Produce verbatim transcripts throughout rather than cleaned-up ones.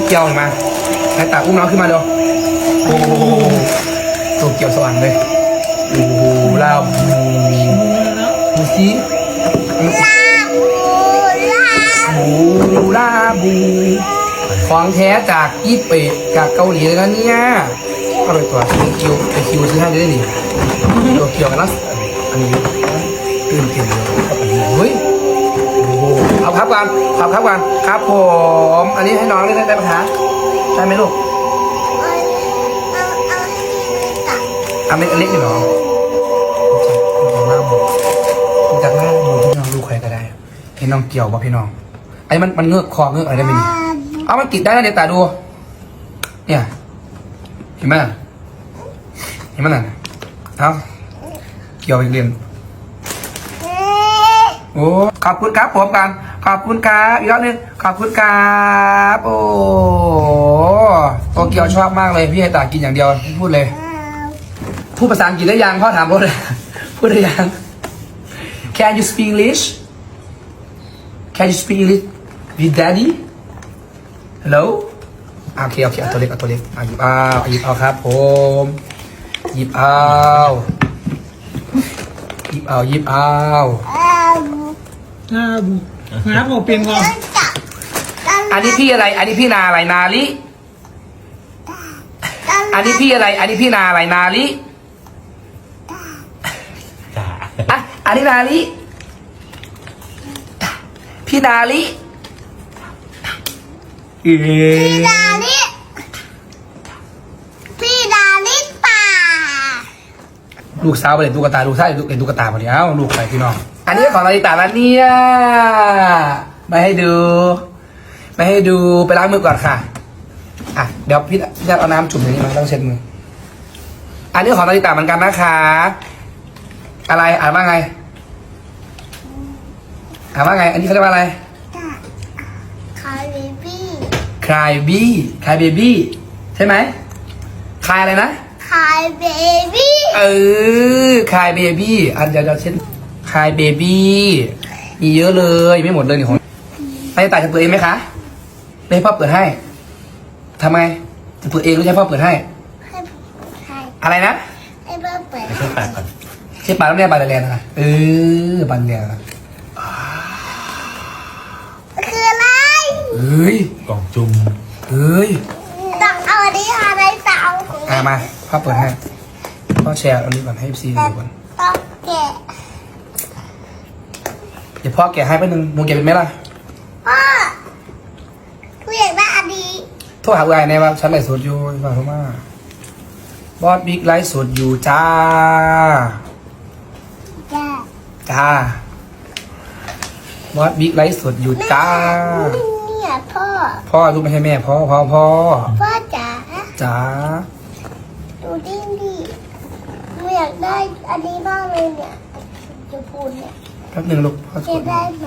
เกียวมาไอ้ตาอุ้มน้องขึ้นมาเร็วโอ้โหตัวเกียวสว่างเลยโอ้โหลาบูดูสิบูลาบูของแท้จากญี่ปุ่นจากเกาหลีเลยนะเนี่ยก็ไปตัวคิวไปคิวซื้อให้ได้ดิตัวเกียวกันแล้วอันนี้ตื่นเต้นเลยเฮ้ยเอาครับกันครับครับกันครับผมอันนี้ให้น้องได้ได้ไหมคะได้ไหมลูกเอาเล็กๆหรอจากหน้าดูพี่น้องดูใครก็ได้พี่น้องเกี่ยวป่ะพี่น้องไอ้มันมันเงือกคอเงือกอะไรได้ไหมนี่เอามันติดได้นะเดี๋ยวตาดูเนี่ยเห็นไหมเห็นไหมน่ะเอาเกี่ยวอีกเรียนโอ้ขอบคุณครับผมกันขอบคุณครับอีกรอบนึงขอบคุณครับโอ้โตเกียวชอบมากเลยพี่ให้ตากินอย่างเดียวพูดเลยพูดภาษาอังกฤษได้ยังพ่อถามพ่อเลยพูดได้ยัง Can you speak English Can you speak English with Daddy Hello โอเคโอเคเอาตัวเล็กเอาตัวเล็กเอาหยิบเอาหยิบเอาครับผมหยิบเอาหยิบเอาหยิบเอาน้าบุน้าผมเป็นก่อนอันนี้พี่อะไร อันนี้พี่นาอะไรนาลิอันนี้พี่อะไร อันนี้พี่นาอะไรนาลิอ่ะอันนี้นาลิพี่นาลิพี่ดาลิพี่ดาลิป่าลูกสาวไปเล่นตุ๊กตาลูกชายเล่นตุ๊กตาพอดีเอ้าลูกไปพี่น้องอันนี้ของนาริตาแล้วเนี่ยไม่ให้ดูไม่ให้ดูไปล้างมือก่อนค่ะอ่ะเดี๋ยวพี่พี่จะเอาน้ำจุ่มอย่างนี้มาต้องเช็ดมืออันนี้ของนาริตาเหมือนกันนะคะอะไรอ่านว่าไงอ่านว่าไงอันนี้เขาเรียกว่าอะไรคายเบบี้ cry baby cry baby ใช่ไหม cry อะไรนะคายเบบี้เออ cry baby อันเดี๋ยวเราเช็ด cry baby มีเยอะเลยไม่หมดเลยนี่ของนาริตาจะเปิดเองไหมคะไม่ให้พ่อเปิดให้ทำไงจะเปิดเองหรือใช้พ่อเปิดให้ให้ใครอะไรนะให้เปิดเปิดไปช่วยปากก่อนใช่ปลาแล้วเนี่ยปลาแรงนะเออปลาแรงคืออะไรเฮ้ยกล่องจุ่มเฮ้ยต้องเอาอันนี้อะไรเต่าอ่ะมาพ่อเปิดให้พ่อแชร์อันนี้ก่อนให้ซีดูก่อนต้องแกะเดี๋ยวพ่อแกะให้แป๊บนึงหนูแกะเป็นไหมล่ะพ่อกูอยากได้อันนี้โทรหาผู้ใหญ่ในว่าฉันไลฟ์สดอยู่ฟังเขามาบอสบิ๊กไลฟ์สดอยู่จ้าจ้าจ้าบอสบิ๊กไลฟ์สดอยู่จ้าเนี่ยพ่อพ่อลูกไม่ใช่แม่พ่อพ่อพ่อพ่อจ๋าจ๋าดูดิดิกูอยากได้อันนี้มากเลยเนี่ยจะพูดเนี่ยแป๊บนึงลูกพ่อจะได้ไหม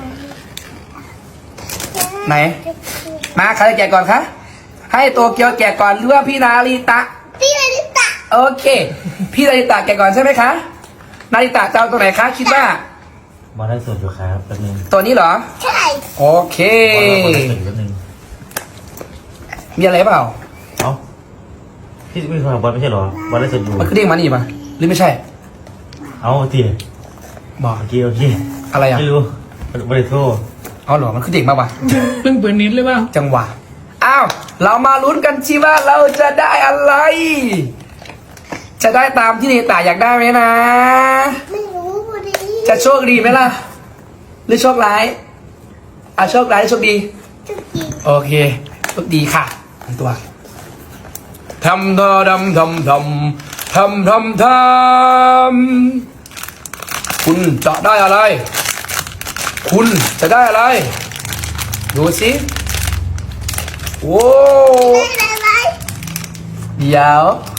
ไหนมาใครจะแกะก่อนคะให้โตเกียวแกะก่อนหรือว่าพี่นาริตะพี่นาริตะโอเคพี่นาริตะแกะก่อนใช่ไหมคะนาริตะจะเอาตัวไหนคะคิดว่ามาได้ส่วนอยู่ครับแป๊บนึงตัวนี้เหรอใช่โอเคมาได้ส่วนแป๊บนึงมีอะไรเปล่าเอ้าพี่ไม่เคยบอลไม่ใช่หรอมาได้ส่วนอยู่มันคือเด้งมานี่ปะหรือไม่ใช่เอาทีบอกโอเคโอเคอะไรอ่ะไม่รู้ไม่ได้โทษเอาหรอมันคือเด็กมาปะเพิ่งเปิดนิดเลยป่ะจังหวะอ้าวเรามาลุ้นกันชีว่าเราจะได้อะไรจะได้ตามที่นิตาอยากได้ไหมนะไม่รู้พอดีจะโชคดีไหมล่ะหรือโชคร้ายอ่ะโชคร้ายหรือโชคดีโชคดีโอเคโชคดีค่ะตัวทำทำทำทำทำทำทำทำคุณจะได้อะไรคุณจะได้อะไรดูสิโว้ได้อะไรเดี๋ยว